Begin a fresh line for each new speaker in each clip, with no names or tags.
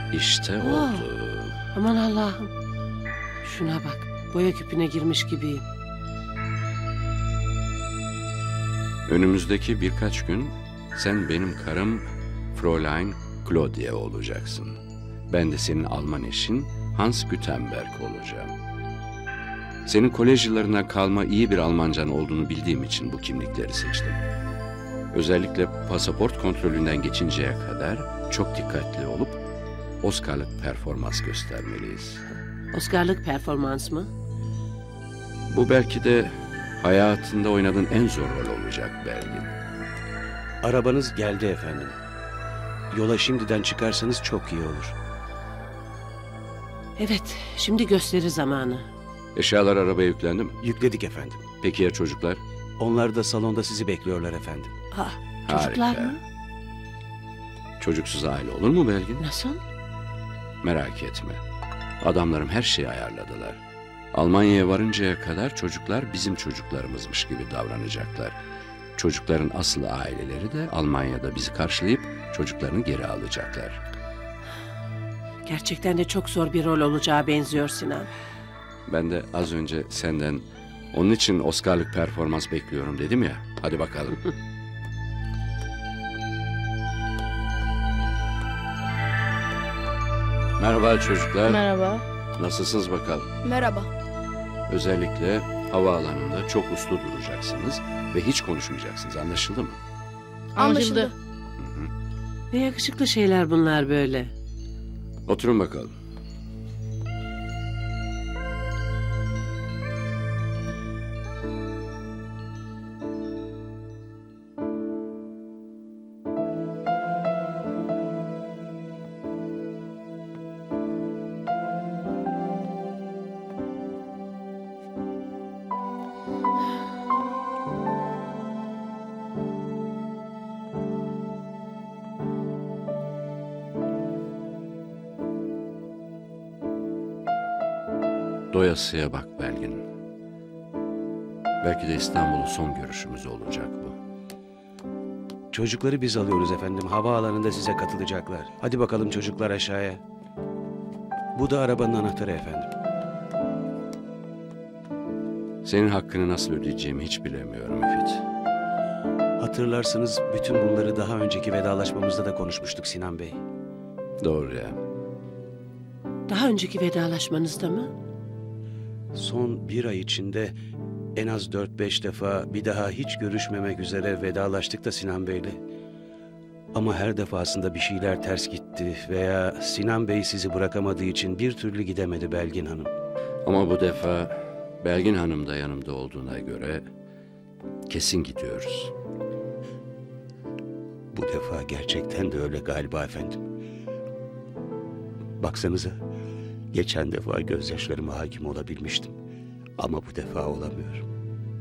İşte
Oo.
oldu.
Aman Allah'ım. Şuna bak. Boya küpüne girmiş gibiyim.
Önümüzdeki birkaç gün sen benim karım Fräulein Claudia olacaksın. Ben de senin Alman eşin Hans Gutenberg olacağım. Senin kolej yıllarına kalma iyi bir Almancan olduğunu bildiğim için bu kimlikleri seçtim. Özellikle pasaport kontrolünden geçinceye kadar çok dikkatli olup Oscar'lık performans göstermeliyiz.
Oscar'lık performans mı?
Bu belki de hayatında oynadığın en zor rol olacak Belgin.
Arabanız geldi efendim. Yola şimdiden çıkarsanız çok iyi olur.
Evet, şimdi gösteri zamanı.
Eşyalar arabaya yüklendi mi?
Yükledik efendim.
Peki ya çocuklar?
Onlar da salonda sizi bekliyorlar efendim.
Ah, çocuklar
Harika.
mı?
Çocuksuz aile olur mu Belgin?
Nasıl?
Merak etme. Adamlarım her şeyi ayarladılar. Almanya'ya varıncaya kadar çocuklar bizim çocuklarımızmış gibi davranacaklar. Çocukların asıl aileleri de Almanya'da bizi karşılayıp çocuklarını geri alacaklar.
Gerçekten de çok zor bir rol olacağı benziyor Sinan.
Ben de az önce senden onun için Oscar'lık performans bekliyorum dedim ya. Hadi bakalım. Merhaba çocuklar.
Merhaba.
Nasılsınız bakalım?
Merhaba.
Özellikle havaalanında çok uslu duracaksınız ve hiç konuşmayacaksınız. Anlaşıldı mı?
Anlaşıldı.
Ne yakışıklı şeyler bunlar böyle.
Oturun bakalım. Doyasıya bak Belgin. Belki de İstanbul'un son görüşümüz olacak bu.
Çocukları biz alıyoruz efendim. Havaalanında size katılacaklar. Hadi bakalım çocuklar aşağıya. Bu da arabanın anahtarı efendim.
Senin hakkını nasıl ödeyeceğimi hiç bilemiyorum Müfit.
Hatırlarsınız bütün bunları daha önceki vedalaşmamızda da konuşmuştuk Sinan Bey.
Doğru ya.
Daha önceki vedalaşmanızda mı?
Son bir ay içinde en az 4-5 defa bir daha hiç görüşmemek üzere vedalaştık da Sinan Bey'le. Ama her defasında bir şeyler ters gitti veya Sinan Bey sizi bırakamadığı için bir türlü gidemedi Belgin Hanım.
Ama bu defa Belgin Hanım da yanımda olduğuna göre kesin gidiyoruz.
Bu defa gerçekten de öyle galiba efendim. Baksanıza, geçen defa gözyaşlarıma hakim olabilmiştim. Ama bu defa olamıyorum.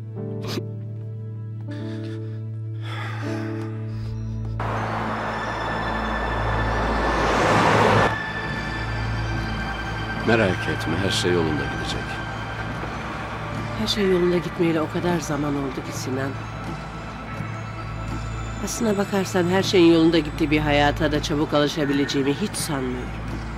Merak etme, her şey yolunda gidecek.
Her şey yolunda gitmeyeli o kadar zaman oldu ki Sinan. Aslına bakarsan her şeyin yolunda gittiği bir hayata da çabuk alışabileceğimi hiç sanmıyorum.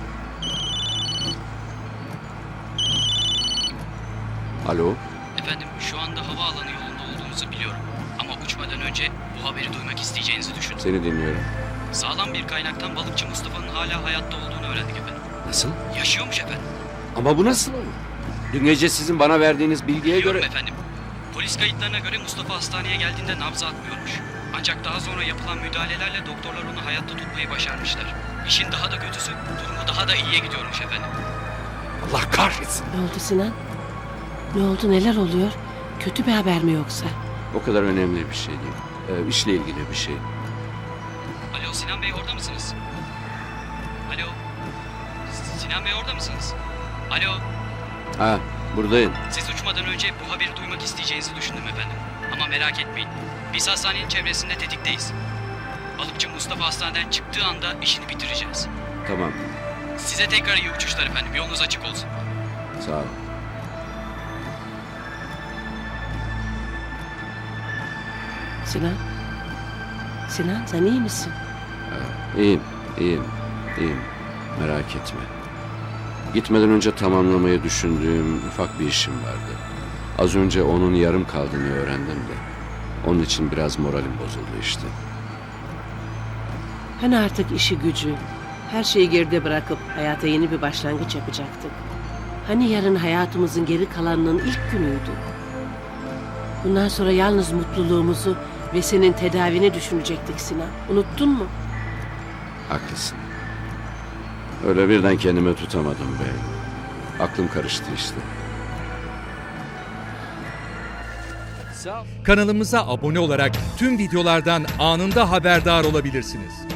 Alo,
Efendim şu anda havaalanı yolunda olduğunuzu biliyorum. Ama uçmadan önce bu haberi duymak isteyeceğinizi düşündüm.
seni dinliyorum.
Sağlam bir kaynaktan balıkçı Mustafa'nın hala hayatta olduğunu öğrendik efendim.
Nasıl?
Yaşıyormuş efendim.
Ama bu nasıl olur? Dün gece sizin bana verdiğiniz bilgiye
Biliyorum
göre...
efendim. Polis kayıtlarına göre Mustafa hastaneye geldiğinde nabzı atmıyormuş. Ancak daha sonra yapılan müdahalelerle doktorlar onu hayatta tutmayı başarmışlar. İşin daha da kötüsü durumu daha da iyiye gidiyormuş efendim.
Allah kahretsin.
Ne oldu Sinan? Ne oldu, neler oluyor? Kötü bir haber mi yoksa?
O kadar önemli bir şey değil. İşle ilgili bir şey.
Alo Sinan Bey orada mısınız? Alo. Sinan Bey orada mısınız? Alo.
Ha, buradayım.
Siz uçmadan önce bu haberi duymak isteyeceğinizi düşündüm efendim. Ama merak etmeyin. Biz hastanenin çevresinde tetikteyiz. Balıkçı Mustafa hastaneden çıktığı anda işini bitireceğiz.
Tamam,
Size tekrar iyi uçuşlar efendim. Yolunuz açık olsun.
sağ ol.
Sinan? Sinan sen iyi misin?
İyiyim, iyiyim, iyiyim. Merak etme. Gitmeden önce tamamlamayı düşündüğüm ufak bir işim vardı. Az önce onun yarım kaldığını öğrendim de. Onun için biraz moralim bozuldu işte.
Hani artık işi gücü, her şeyi geride bırakıp hayata yeni bir başlangıç yapacaktık. Hani yarın hayatımızın geri kalanının ilk günüydü. Bundan sonra yalnız mutluluğumuzu ve senin tedavini düşünecektik Sinan. Unuttun mu?
Haklısın. Öyle birden kendime tutamadım be. Aklım karıştı işte.
Kanalımıza abone olarak tüm videolardan anında haberdar olabilirsiniz.